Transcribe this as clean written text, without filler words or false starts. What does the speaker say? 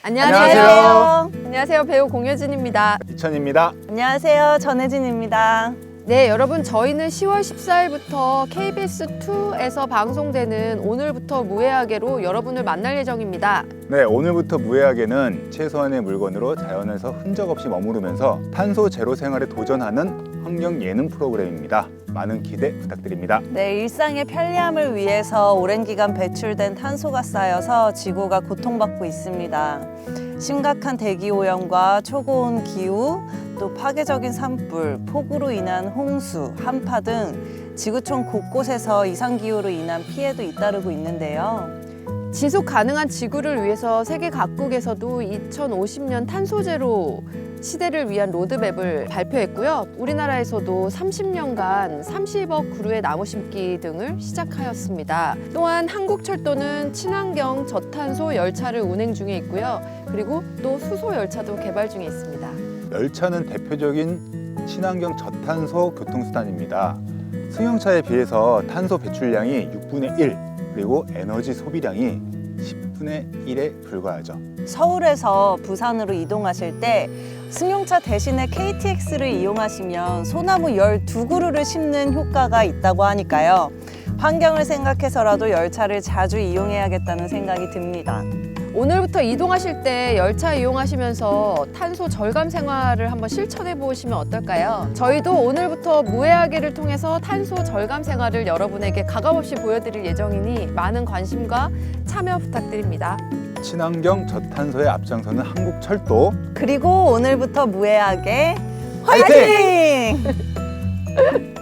안녕하세요. 안녕하세요. 배우 공효진입니다. 이천입니다. 안녕하세요. 전혜진입니다. 네, 여러분 저희는 10월 14일부터 KBS2에서 방송되는 오늘부터 무해하게로 여러분을 만날 예정입니다. 네, 오늘부터 무해하게는 최소한의 물건으로 자연에서 흔적 없이 머무르면서 탄소 제로 생활에 도전하는 환경 예능 프로그램입니다. 많은 기대 부탁드립니다. 네, 일상의 편리함을 위해서 오랜 기간 배출된 탄소가 쌓여서 지구가 고통받고 있습니다. 심각한 대기 오염과 초고온 기후, 또 파괴적인 산불, 폭우로 인한 홍수, 한파 등 지구촌 곳곳에서 이상기후로 인한 피해도 잇따르고 있는데요. 지속 가능한 지구를 위해서 세계 각국에서도 2050년 탄소 제로 시대를 위한 로드맵을 발표했고요. 우리나라에서도 30년간 30억 그루의 나무 심기 등을 시작하였습니다. 또한 한국철도는 친환경 저탄소 열차를 운행 중에 있고요. 그리고 또 수소 열차도 개발 중에 있습니다. 열차는 대표적인 친환경 저탄소 교통수단입니다. 승용차에 비해서 탄소 배출량이 6분의 1, 그리고 에너지 소비량이 10분의 1에 불과하죠. 서울에서 부산으로 이동하실 때 승용차 대신에 KTX를 이용하시면 소나무 12그루를 심는 효과가 있다고 하니까요. 환경을 생각해서라도 열차를 자주 이용해야겠다는 생각이 듭니다. 오늘부터 이동하실 때 열차 이용하시면서 탄소 절감 생활을 한번 실천해 보시면 어떨까요? 저희도 오늘부터 무해하게를 통해서 탄소 절감 생활을 여러분에게 가감없이 보여드릴 예정이니 많은 관심과 참여 부탁드립니다. 친환경 저탄소에 앞장서는 한국철도. 그리고 오늘부터 무해하게 화이팅!